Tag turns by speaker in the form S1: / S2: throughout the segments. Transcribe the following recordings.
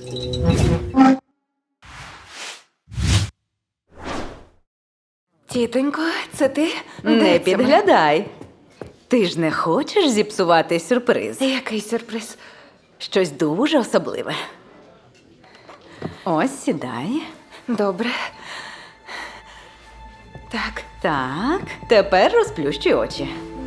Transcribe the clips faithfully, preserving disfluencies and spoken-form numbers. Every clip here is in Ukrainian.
S1: Тітонько, це ти?
S2: Не
S1: Де це
S2: підглядай. Ти ж не хочеш зіпсувати сюрприз?
S1: ми? Який сюрприз?
S2: Щось дуже особливе. Ось, сідай.
S1: Добре. Так.
S2: Так, тепер розплющуй очі.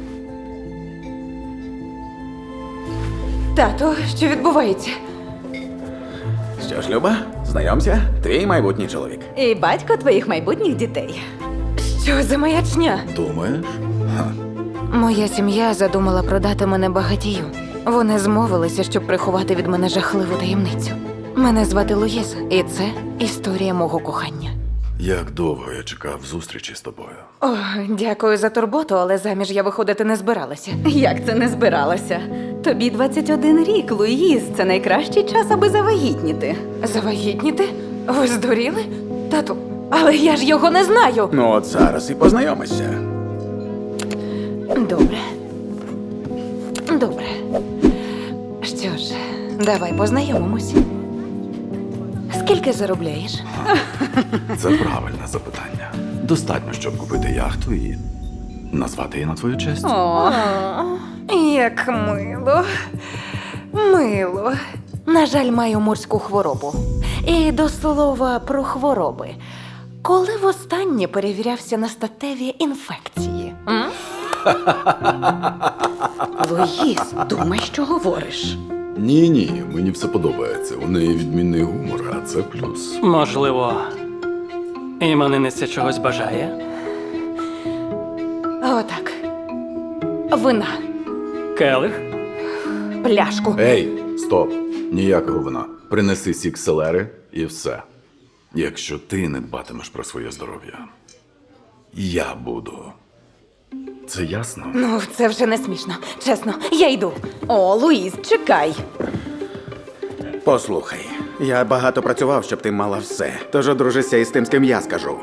S1: Тато, що відбувається?
S3: Що ж, Люба, знайомся, твій майбутній чоловік.
S2: І батько твоїх майбутніх дітей.
S1: Що за маячня?
S3: Думаєш?
S1: Моя сім'я задумала продати мене багатію. Вони змовилися, щоб приховати від мене жахливу таємницю. Мене звати Луїза, і це історія мого кохання.
S4: Як довго я чекав зустрічі з тобою?
S1: О, дякую за турботу, але заміж я виходити не збиралася.
S2: Як це не збиралося? Тобі двадцять один рік, Луїз. Це найкращий час, аби завагітніти.
S1: Завагітніти? Ви здуріли? Тату, але я ж його не знаю.
S3: Ну от зараз і познайомишся.
S1: Добре. Добре. Що ж, давай познайомимось. Скільки заробляєш?
S4: Це правильне запитання. Достатньо, щоб купити яхту і назвати її на твою честь.
S2: О,
S1: Як мило. Мило. На жаль, маю морську хворобу. І до слова про хвороби. Коли востаннє перевірявся на статеві інфекції? М?
S2: Луїз, думай, що говориш.
S4: Ні, ні, мені все подобається. У неї відмінний гумор, а це плюс.
S5: Можливо, іменинниця чогось бажає?
S1: Отак. Вина.
S5: Келих?
S1: Пляшку.
S4: Ей, стоп! Ніякого вина. Принеси сік селери і все. Якщо ти не дбатимеш про своє здоров'я, я буду. Це ясно?
S1: Ну, це вже не смішно. Чесно, я йду.
S2: О, Луїз, чекай.
S3: Послухай, я багато працював, щоб ти мала все. Тож одружися із тим, з ким я скажу.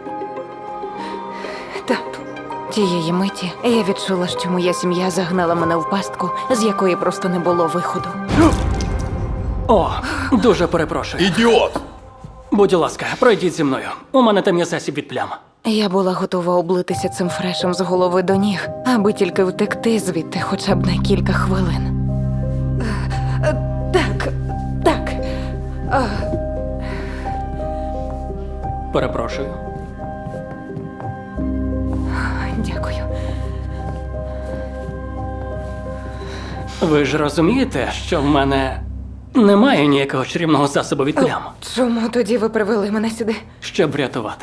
S1: Тату. Тієї миті я відчула, що моя сім'я загнала мене в пастку, з якої просто не було виходу.
S5: О, дуже перепрошую.
S4: Ідіот!
S5: Будь ласка, пройдіть зі мною. У мене там є засіб від плям.
S1: Я була готова облитися цим фрешем з голови до ніг, аби тільки втекти звідти хоча б на кілька хвилин. Так, так.
S5: Перепрошую.
S1: Дякую.
S5: Ви ж розумієте, що в мене немає ніякого чарівного засобу від плям,
S1: Чому тоді ви привели мене сюди?
S5: щоб врятувати.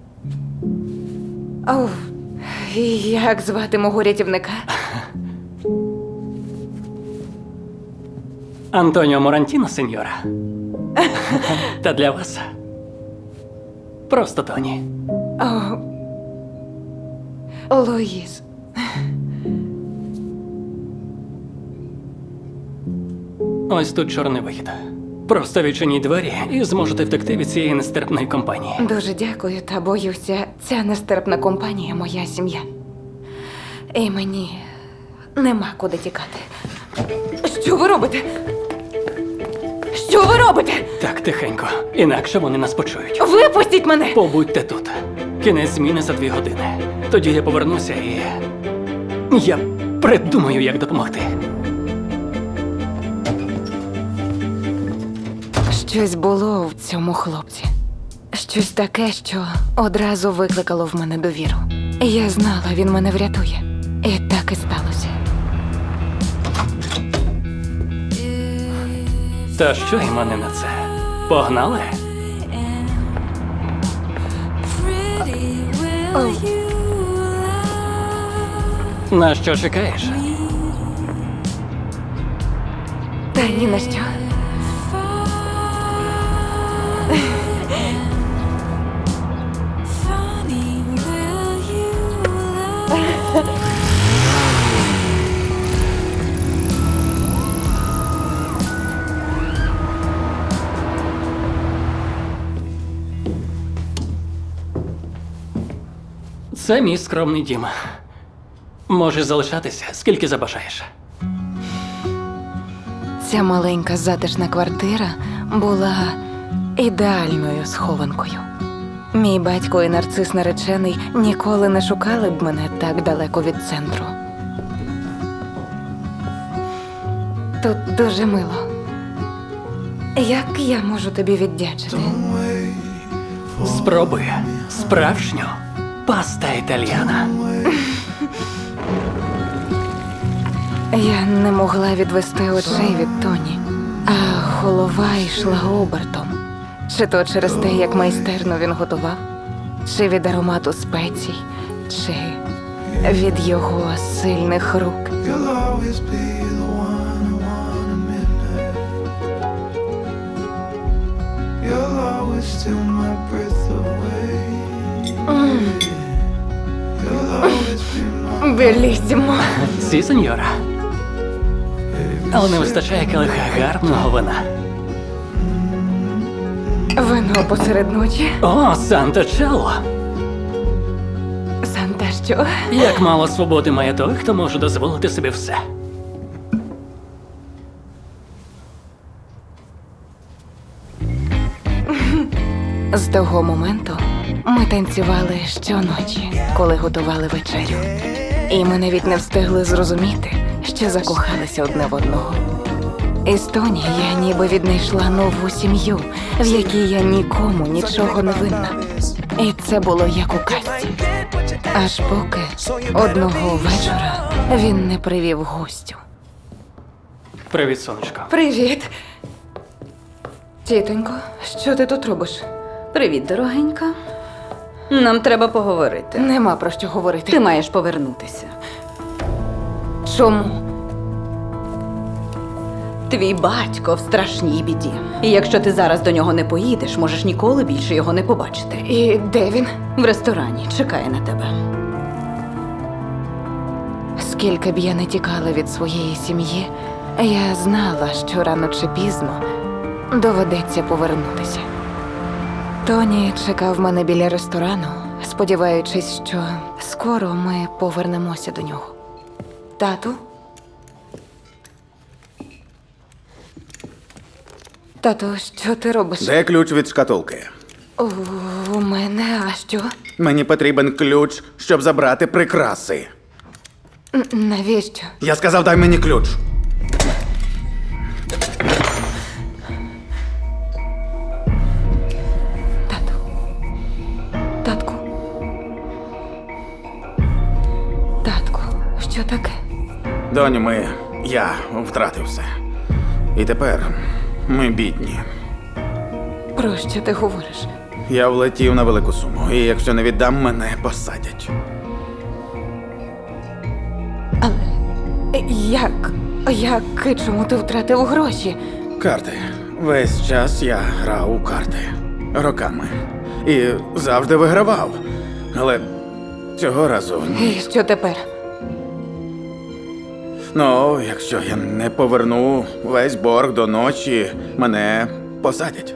S1: Оу, і як звати мого рятівника?
S5: Антоніо Морантіно, сеньора. Та для вас просто Тоні.
S1: О, Луїз.
S5: Ось тут чорний вихід. Просто відчиніть двері і зможете втекти від цієї нестерпної компанії.
S1: Дуже дякую, та боюся, ця нестерпна компанія моя сім'я. І мені нема куди тікати. Що ви робите? Що ви робите?
S5: Так, тихенько. Інакше вони нас почують.
S1: Випустіть мене!
S5: Побудьте тут. Кінець зміни за дві години. Тоді я повернуся і. Я придумаю, як допомогти.
S1: Щось було в цьому хлопці. Щось таке, що одразу викликало в мене довіру. Я знала, він мене врятує. І так і сталося.
S5: Та що й мене на це? Погнали?
S1: Оу,
S5: На що чекаєш?
S1: та ні на що.
S5: Це мій скромний дім. Можеш залишатися, скільки забажаєш.
S1: Ця маленька затишна квартира була ідеальною схованкою. Мій батько і нарцис наречений ніколи не шукали б мене так далеко від центру. Тут дуже мило. Як я можу тобі віддячити?
S5: Спробуй справжню паста італіана.
S1: Я не могла відвести очей від Тоні, а голова йшла обертом. Чи то через те, як майстерно він готував, чи від аромату спецій, чи від його сильних рук.
S6: You'll always be the one I want at midnight. You'll always steal my breath away. You'll always be my
S1: Белісімо.
S5: Сі, сеньора. Але не вистачає келиха гарного вина.
S1: Вино посеред ночі.
S5: О, Санта-Чело!
S1: Санта що?
S5: Як мало свободи має той, хто може дозволити собі все.
S1: З того моменту ми танцювали щоночі, коли готували вечерю. І ми навіть не встигли зрозуміти, що закохалися одне в одного. Із Тоні я ніби віднайшла нову сім'ю, в якій я нікому нічого не винна. І це було як у казці. Аж поки одного вечора він не привів гостю.
S5: Привіт, сонечко.
S1: Привіт. Тітонько, що ти тут робиш?
S2: Привіт, дорогенька. Нам треба поговорити.
S1: Нема про що говорити.
S2: Ти маєш повернутися.
S1: Чому?
S2: Твій батько в страшній біді. І якщо ти зараз до нього не поїдеш, можеш ніколи більше його не побачити.
S1: І де він?
S2: В ресторані чекає на тебе.
S1: Скільки б я не тікала від своєї сім'ї, я знала, що рано чи пізно доведеться повернутися. Тоні чекав мене біля ресторану, сподіваючись, що скоро ми повернемося до нього. Тату? Тату, що ти робиш?
S3: Де ключ від шкатулки?
S1: У, у мене, а що?
S3: Мені потрібен ключ, щоб забрати прикраси.
S1: Н- Навіщо?
S3: Я сказав, дай мені ключ.
S1: Тату. Татку. Татку, що таке?
S3: Доню, ми. Я втратив все. І тепер ми бідні.
S1: Про що ти говориш?
S3: Я влетів на велику суму, і якщо не віддам, мене посадять.
S1: Але як? Як і чому ти втратив гроші?
S3: Карти. Весь час я грав у карти. Роками. І завжди вигравав. Але цього разу ні.
S1: І що тепер?
S3: Ну, якщо я не поверну весь борг до ночі, мене посадять.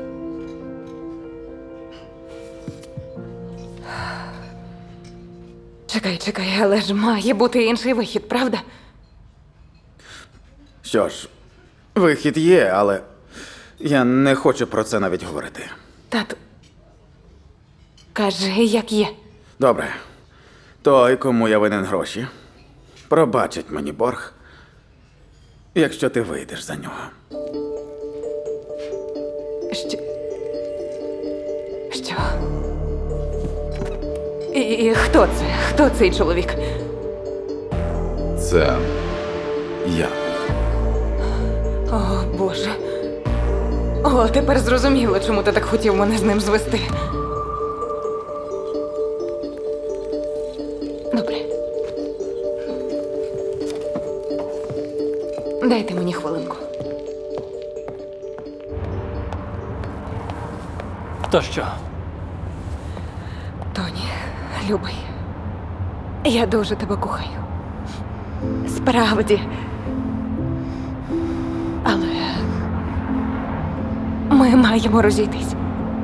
S1: Чекай, чекай, але ж має бути інший вихід, правда?
S3: Що ж, вихід є, але я не хочу про це навіть говорити.
S1: Тату. Кажи, як є.
S3: Добре. Той, кому я винен гроші, пробачить мені борг, якщо ти вийдеш за нього.
S1: Що? Що? І, і хто це? Хто цей чоловік?
S4: Це я.
S1: О, Боже. О, тепер зрозуміло, чому ти так хотів мене з ним звести. Добре. Дайте мені хвилинку.
S5: То що?
S1: Тоні, любий, я дуже тебе кохаю. Справді. Але ми маємо розійтись.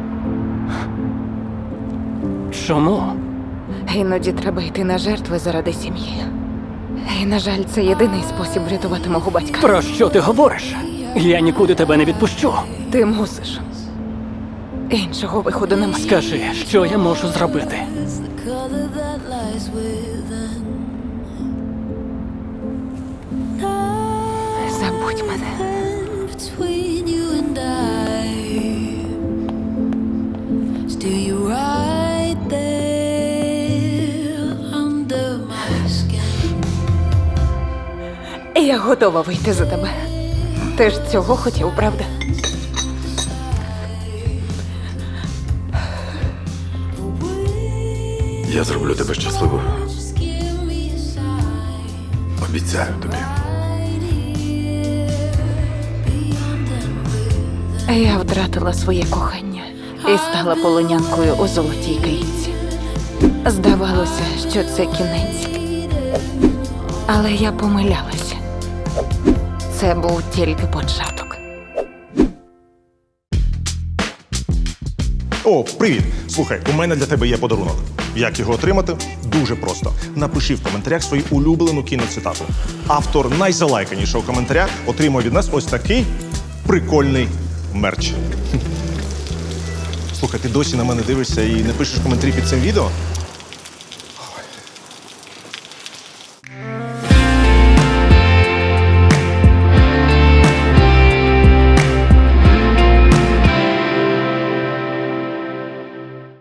S5: Чому?
S1: Іноді треба йти на жертви заради сім'ї. І, на жаль, це єдиний спосіб врятувати мого батька.
S5: Про що ти говориш? Я нікуди тебе не відпущу.
S1: Ти мусиш. Іншого виходу немає.
S5: Скажи, що я можу зробити?
S6: color that lies within.
S1: Забудь мене.
S6: Between you and I, still you right there under my skin.
S1: Я готова вийти за тебе. Ти ж цього хотів, правда?
S4: Я зроблю тебе щасливою.
S6: Just give me a sign.
S4: Обіцяю тобі.
S1: Я втратила своє кохання і стала полонянкою у золотій клітці. Здавалося, що це кінець. Але я помилялася. Це був тільки початок.
S7: О, привіт! Слухай, у мене для тебе є подарунок. Як його отримати? Дуже просто. Напиши в коментарях свою улюблену кіноцитату. Автор найзалайканішого коментаря отримує від нас ось такий прикольний мерч. Слухай, ти досі на мене дивишся і не пишеш коментарі під цим відео?